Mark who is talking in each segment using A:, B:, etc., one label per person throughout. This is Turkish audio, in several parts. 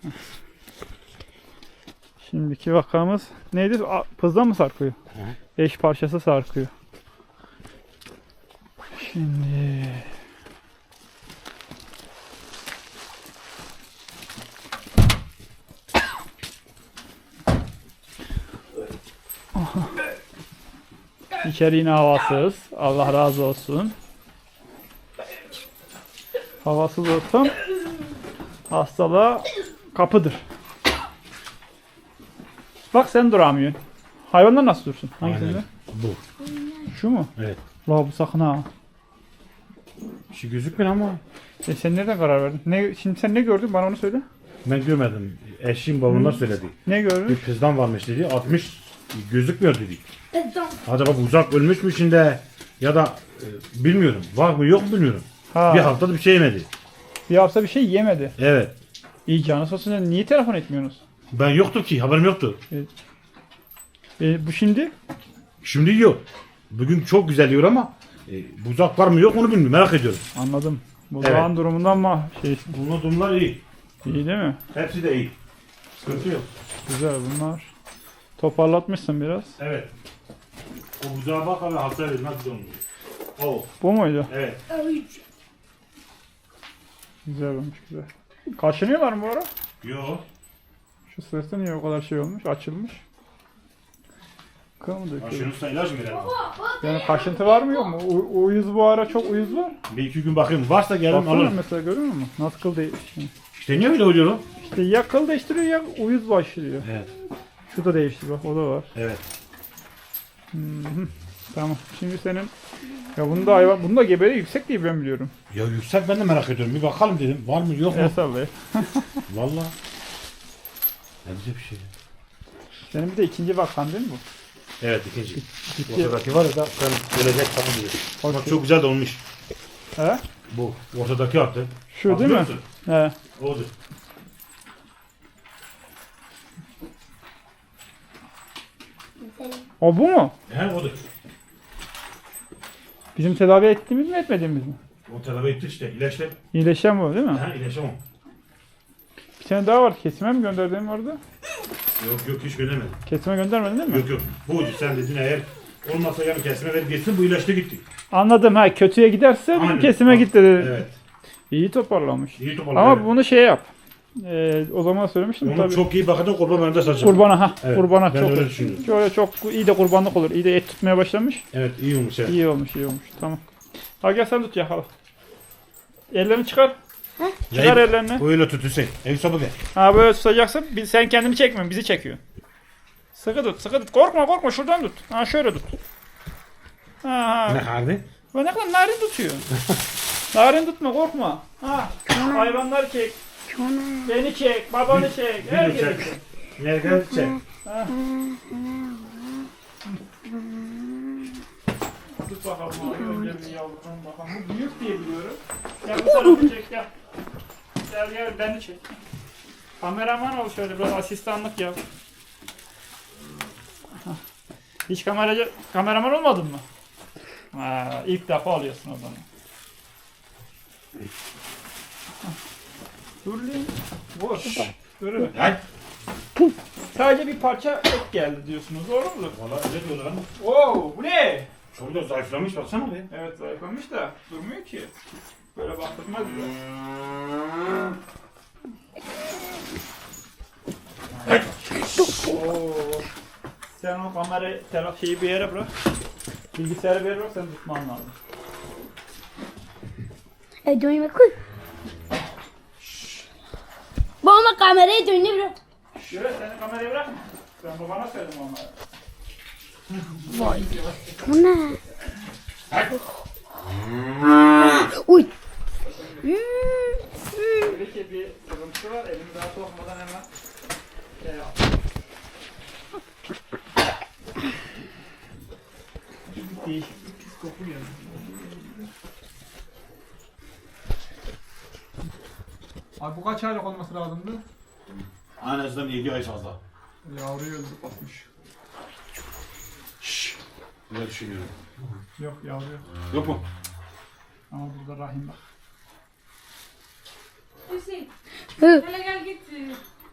A: Şimdiki vakamız neydi? Pızdan mı sarkıyor?
B: Hı.
A: Eş parçası sarkıyor. Şimdi İçeri yine havasız. Allah razı olsun. Havasız ortam hastalığa kapıdır. Bak sen duramıyorsun. Hayvanlar nasıl dursun? Hangisinde?
B: Aynen. Bu.
A: Şu mu?
B: Evet.
A: La bu sakın ha.
B: Bir şey gözükmüyor ama.
A: Sen nereden karar verdin? Şimdi sen ne gördün? Bana onu söyle.
B: Ben görmedim. Eşim babamlar söyledi.
A: Ne
B: Bir
A: gördün?
B: kızdan varmış dedi. 60 gözükmüyor dedi. Acaba bu uzak ölmüş mü şimdi ya da bilmiyorum. Var mı yok mu bilmiyorum.
A: Ha,
B: Bir haftada bir şey yemedi.
A: bir hafta bir şey yemedi.
B: Evet.
A: İyi canı sağ olsun. Niye telefon etmiyorsunuz?
B: Ben yoktu ki haberim yoktu.
A: Bu şimdi?
B: Şimdi yiyor. Bugün çok güzel yiyor ama buzak var mı yok mu onu bilmiyorum. Merak ediyorum.
A: Anladım. Bu
B: Evet.
A: zaman durumundan mı şey?
B: Bunlar durumlar iyi.
A: İyi değil mi?
B: Hepsi de iyi. Sıkıntı yok.
A: Güzel bunlar. Toparlatmışsın biraz.
B: Evet. O buzağa bak abi hasta edin. Nasıl olmuş? O.
A: Bu muydu?
B: Evet.
A: Güzel olmuş güzel. Kaşınıyorlar mı bu ara?
B: Yok.
A: Şu sırtı niye o kadar şey olmuş? Açılmış. Kıl mı döküyor?
B: Aşırı ilaç mı verelim?
A: Yani kaşıntı var mı yok mu? Uyuz bu ara çok uyuz var.
B: Bir iki gün bakayım. Varsa gelin
A: Baksana
B: alırım.
A: mesela görüyor musun? Nasıl kıl değişiyor?
B: İşte niye öyle oluyor o?
A: İşte ya kıl değiştiriyor ya uyuz başlıyor.
B: Evet.
A: Şu da değişti bak o da var.
B: Evet.
A: Tamam. Şimdi senin ya bunda hayvan bunda geberi yüksek diye ben biliyorum.
B: Ya yüksek ben de merak ediyorum. Bir bakalım dedim. Var mı yok mu?
A: El sallay.
B: Valla. Ne güzel bir şey.
A: Senin bir de ikinci vakan değil mi bu?
B: Evet ikinci.
A: Ciddi.
B: Ortadaki var ya da sen gelecek tamam diyor. Bak
A: Okey.
B: çok güzel de olmuş.
A: He?
B: Bu ortadaki yaptı.
A: Şu değil mi?
B: Musun?
A: He.
B: Odur.
A: O bu mu?
B: He odur.
A: Bizim tedavi ettiğimiz mi etmediğimiz mi?
B: O tedavi etti işte. İlaçla.
A: İyileşen bu değil mi?
B: He ilaçla o.
A: Bir tane daha var. Kesime mi gönderdiğim vardı?
B: Yok hiç göndermedim.
A: Kesime göndermedin değil mi?
B: Yok. Buydu sen dedin eğer olmazsa yarın kesme ver gitsin bu ilaçla gitti.
A: Anladım ha. Kötüye giderse
B: Aynen.
A: kesime git dedi.
B: Evet.
A: İyi toparlamış.
B: İyi toparladı.
A: Ama bunu şey yap. O zaman söylemiştim
B: Onu
A: tabii.
B: çok iyi bakacak kurban önünde saçacak.
A: Kurbana ha.
B: Evet,
A: Kurbana
B: ben
A: çok.
B: öyle düşünüyorum.
A: Şöyle çok iyi de kurbanlık olur. İyi de et tutmaya başlamış.
B: Evet iyi olmuş evet.
A: İyi olmuş, iyi olmuş. Tamam. Ha gel sen tut yakala. Ellerini çıkar. Çıkar ellerini.
B: Öyle tut Hüseyin. Ev sabı gel.
A: Ha böyle tutacaksın. Sen kendini çekmiyorsun, bizi çekiyor. Sıkı tut, sıkı tut. Korkma, şuradan tut. Ha şöyle tut. Ha.
B: Ne harbi?
A: Bu ne kadar narin tutuyor. Narin tutma, korkma. Ha. Hayvanları çek. Beni çek, babanı çek. Herkesi
B: çek.
A: çek.
B: Nereden çek?
A: Ha. Tut bakalım abi önce bir yavrum bakalım. Bu büyük diye biliyorum. Gel bu tarafı çek gel. Gel beni çek. Kameraman ol şöyle biraz asistanlık yap. Hiç kameraman olmadın mı? Ha, ilk defa alıyorsun o zaman. Dur lan. Boş. Dur.
B: Hay.
A: Sadece bir parça et geldi diyorsunuz. Doğru mu?
B: Valla öyle diyorlar ama.
A: Oo, bu ne?
B: Çok da zayıflamış baksana be.
A: Evet zayıflamış da durmuyor ki. Böyle baktırmaz bile. Oo. Sen o kamerayı şeyi bir yere bırak. Bilgisayarı bir yere bırak sen tutman lazım.
C: Dönme koy. Bana kamerayı dönme bırak.
A: Şöyle sen kamerayı bırakma. Ben babana söyledim onlara.
C: Vay. Bu ne? Uy.
A: Belki bir sıkıntı var. Elimi daha sokmadan hemen şey yap. Değişik bir pis koku geliyor. Abi bu kaç aylık olması lazımdı?
B: En azından 7 ay fazla.
A: Yavruyu öldürüp atmış.
B: Şşş. Öyle düşünüyorum.
A: Yok yavru yok.
B: Yok mu?
A: Ama burada rahim var.
D: Hüseyin,
C: Hı.
D: hele gel git.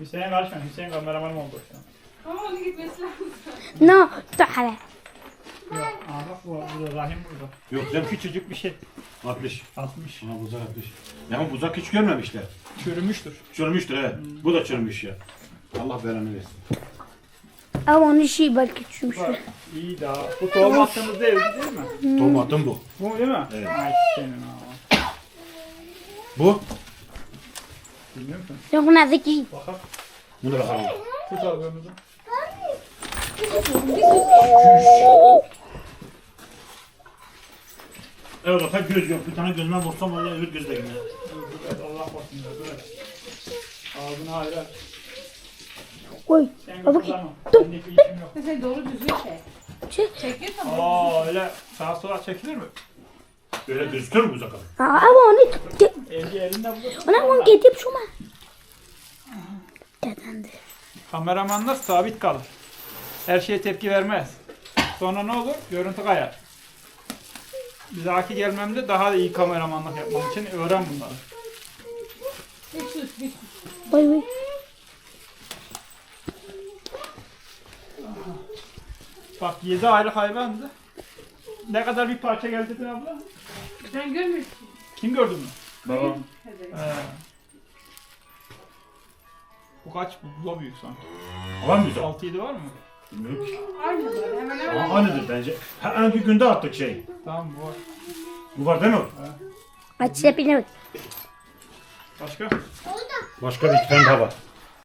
A: Hüseyin karışma. Hüseyin kameramanım oldu şu an.
D: Ama onun gitmesi lazım.
C: No, تعالى.
A: Yok. Aa bak burada Rahim burada.
B: Yok sen
A: Küçücük bir şey.
B: 60.
A: 60.
B: Ha buzak 60. Ya buzak hiç görmemişler.
A: Çürümüştür.
B: Çürümüştür evet. Bu da çürümüş ya. Allah belanı versin.
C: Ama onun işi belki çürümüş.
A: Bak iyi daha. Bu tohum attığımız değil mi?
B: Tomatım bu.
A: Bu değil mi?
B: Evet.
A: Ay senin ha.
B: Bu.
A: Bilmiyor musun?
C: Yok nazik.
A: Bakalım.
B: Bunu bakalım.
A: Tut albümümüzü.
B: Evet o tek göz yok. Bir tane gözüme vursam vallahi öbür gözle gider.
A: Evet, Allah korusun. Evet. Ağzını hayır aç.
C: Oy.
A: Sen
C: Baba
A: kullanma.
C: dur.
A: Bendeki işim yok.
D: Mesela doğru düzgün çek.
C: Şey.
D: Çekiyor tamam.
A: Aa öyle sağa sola çekilir mi?
B: Öyle gözükür mü buzak abi?
C: Ama onu
A: Eli elinde bulur.
C: ona onu getirip şuna. Dedendi.
A: Kameramanlar sabit kalır. Her şeye tepki vermez. Sonra ne olur? Görüntü kayar. Bir dahaki gelmemde daha da iyi kameramanlık yapmam için öğren bunları.
D: Bir sus bir sus.
C: Oy oy.
A: Bak 7 aylık hayvandı. Ne kadar bir parça geldi dedin abla?
D: Sen görmüyorsun.
A: Kim gördü mü?
B: Babam.
D: Hadi.
A: Bu kaç? Bu da büyük sanki.
B: Var mı güzel?
A: 6-7 var mı?
B: Bilmiyorum ki.
D: Aynı böyle hemen hemen.
B: Ama aynıdır bence. Ha, bir günde attık şey.
A: Tamam bu var.
B: Bu var değil mi?
C: Aç sepine bak.
A: Başka?
B: Başka bir tane daha var.